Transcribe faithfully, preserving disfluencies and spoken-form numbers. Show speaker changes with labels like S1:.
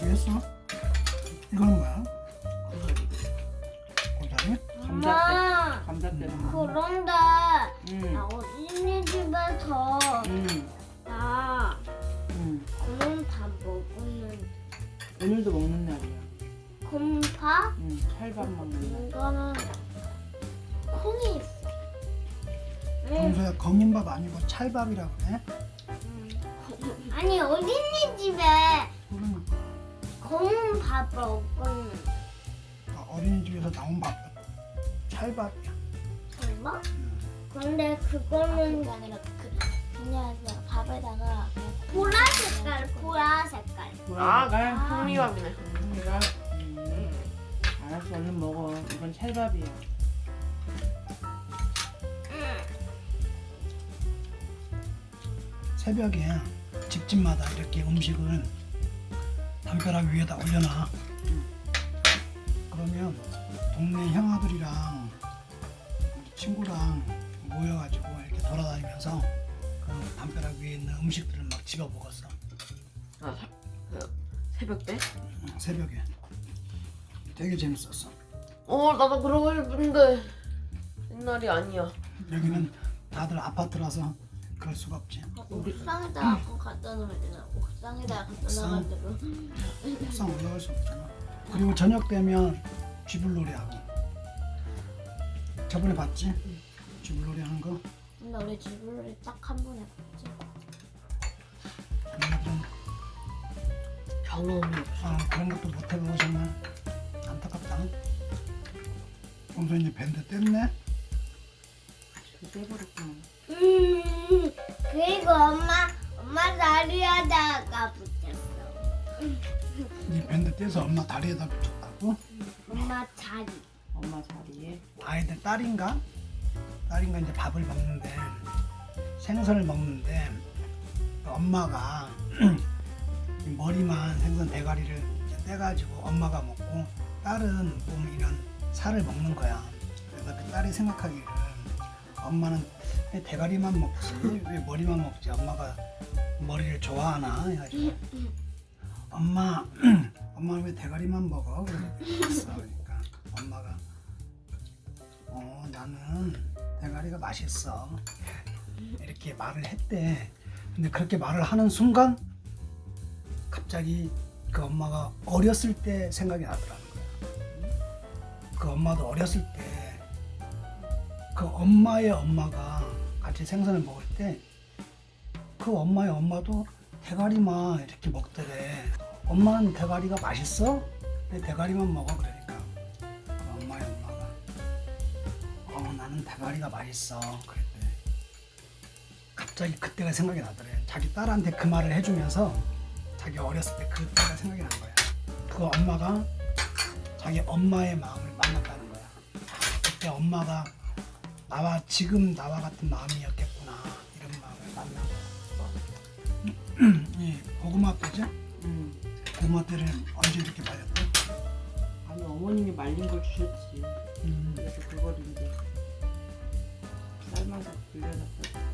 S1: 준비했어? 이건 뭐야?
S2: 고사리.
S1: 고사리?
S2: 감자떼. 감자떼는 거.
S3: 그런데
S2: 응.
S3: 나 어린이집에서
S2: 응.
S3: 나
S2: 응.
S3: 그런 다 먹었는데
S2: 오늘도 먹는 날이야.
S3: 곰파
S2: 응. 찰밥 먹는 날.
S3: 이거는 콩이 있어. 응.
S1: 평소에 검은 밥 아니고 찰밥이라고 그래?
S3: 응. 아니 어린이집에
S1: 그러면
S3: 검은 밥 먹었는데
S1: 어린이집에서 나온 밥 찰밥이야.
S3: 정말? 근데 그거는
S4: 그게 아니라 그 그냥 그냥 밥에다가 그냥
S3: 보라 색깔, 보라 색깔.
S2: 아, 가
S3: 아.
S4: 현미밥이네.
S2: 현미가. 음. 알았어, 얼른 먹어. 이건 찰밥이야.
S3: 응.
S1: 새벽에 집집마다 이렇게 음식을 담벼락 위에다 올려놔. 그러면 동네 형아들이랑 우리 친구랑 모여가지고 이렇게 돌아다니면서 그 담벼락 위에 있는 음식들을 막 집어 먹었어.
S2: 아, 사, 그, 새벽 때?
S1: 응, 새벽에. 되게 재밌었어.
S4: 어 나도 그러고 싶은데 옛날이 아니야.
S1: 여기는 다들 아파트라서 그럴 수가 없지.
S4: 옥상에다가 그거 갖다 놓으면 되나? 옥상에다가 갖다
S1: 옥상?
S4: 놔가지고
S1: 옥상 올라갈 수 없잖아. 그리고 저녁 되면 쥐불놀이 하고. 저번에 봤지? 쥐불놀이 하는 거.
S4: 근데 우리 집을 딱 한 번 해봤지.
S1: 얘네들은
S2: 경험이 없어.
S1: 아, 그런 것도 못 해보고 정말 안타깝다. 평소 이제 밴드 뗐네?
S2: 지금 떼버렸구나.
S3: 음, 그리고 엄마, 엄마 다리에다가 붙였어.
S1: 이 밴드 떼서 엄마 다리에다 붙였다고?
S3: 엄마 자리.
S2: 엄마 자리에.
S1: 아이들 딸인가? 딸인가 이제 밥을 먹는데 생선을 먹는데 엄마가 이 머리만 생선 대가리를 이제 떼가지고 엄마가 먹고 딸은 보면 이런 살을 먹는 거야. 그래서 그 딸이 생각하기를 엄마는 왜 대가리만 먹지 왜 머리만 먹지 엄마가 머리를 좋아하나 해가지고 엄마 엄마는 왜 대가리만 먹어? 그랬어. 그러니까 엄마가 어 나는 대가리가 맛있어 이렇게 말을 했대. 근데 그렇게 말을 하는 순간 갑자기 그 엄마가 어렸을 때 생각이 나더라는 거야. 그 엄마도 어렸을 때 그 엄마의 엄마가 같이 생선을 먹을 때 그 엄마의 엄마도 대가리만 이렇게 먹더래. 엄마는 대가리가 맛있어? 왜 대가리만 먹어? 그러니까 그 엄마의 엄마가 어 나는 대가리가 맛있어 그랬대. 갑자기 그때가 생각이 나더래. 자기 딸한테 그 말을 해주면서 자기 어렸을 때 그때가 생각이 난 거야. 그 엄마가 자기 엄마의 마음을 만났다는 거야. 그때 엄마가 나와 지금 나와 같은 마음이었겠구나 이런 마음을 만난 거야. 이 고구마 때지?
S2: 응.
S1: 고구마 때를 언제 이렇게 말렸대?
S2: 아니, 어머님이 말린 걸 주셨지.
S1: 음,
S2: 그래서 그걸 이제 삶아서 불려놨어.